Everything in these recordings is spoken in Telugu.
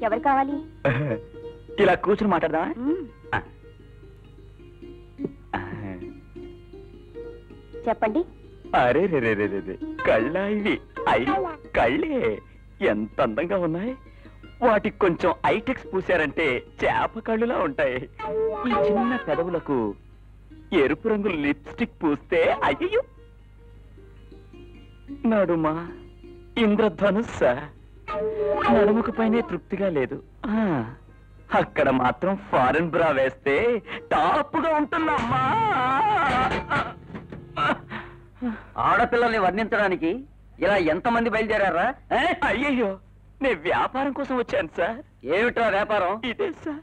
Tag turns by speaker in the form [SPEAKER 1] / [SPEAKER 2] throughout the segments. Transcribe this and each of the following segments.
[SPEAKER 1] ఎవరు కావాలి?
[SPEAKER 2] ఇలా కూర్చుని మాట్లాడదామా?
[SPEAKER 1] చెప్పండి.
[SPEAKER 2] అరే రే రే రే రే కళ్ళ ఇవి కళ్ళే ఎంత అందంగా ఉన్నాయి. వాటికి కొంచెం ఐటెక్స్ పూసారంటే చేప కళ్ళులా ఉంటాయి. ఈ చిన్న పెదవులకు ఎరుపు రంగు లిప్స్టిక్ పూస్తే అయ్యో నడుమా ఇంద్రధనుస్స. నడుముకు పైనే తృప్తిగా లేదు. అక్కడ మాత్రం ఫారెన్ బ్రా వేస్తే టాప్గా ఉంటుందమ్మా.
[SPEAKER 3] ఆడపిల్లల్ని వర్ణించడానికి ఇలా ఎంతమంది బయలుదేరారా?
[SPEAKER 2] అయ్యయ్యో, నేను వ్యాపారం కోసం వచ్చాను సార్.
[SPEAKER 3] ఏమిట్రా వ్యాపారం?
[SPEAKER 2] ఇదే సార్.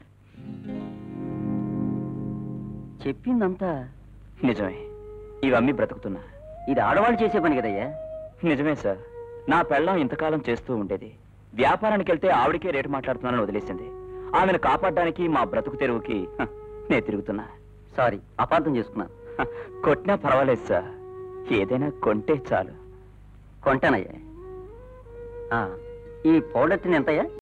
[SPEAKER 3] చెప్పిందంతా
[SPEAKER 2] నిజమే. ఇవన్నీ బ్రతుకుతున్నా.
[SPEAKER 3] ఇది ఆడవాళ్ళు చేసే పని కదయ్యా.
[SPEAKER 2] నిజమే సార్. నా పెళ్ళం ఇంతకాలం చేస్తూ ఉండేది. వ్యాపారానికి వెళ్తే ఆవిడికే రేటు మాట్లాడుతున్నానని వదిలేసింది. ఆమెను కాపాడడానికి మా బ్రతుకు తెరువుకి నేను తిరుగుతున్నా.
[SPEAKER 3] సారీ, అపార్థం చేసుకున్నాను.
[SPEAKER 2] కొట్టినా పర్వాలేదు సార్. ఏదైనా కొంటే చాలు.
[SPEAKER 3] కొంటానయ్యా. ఈ పౌడర్ ఎంతయ్యా?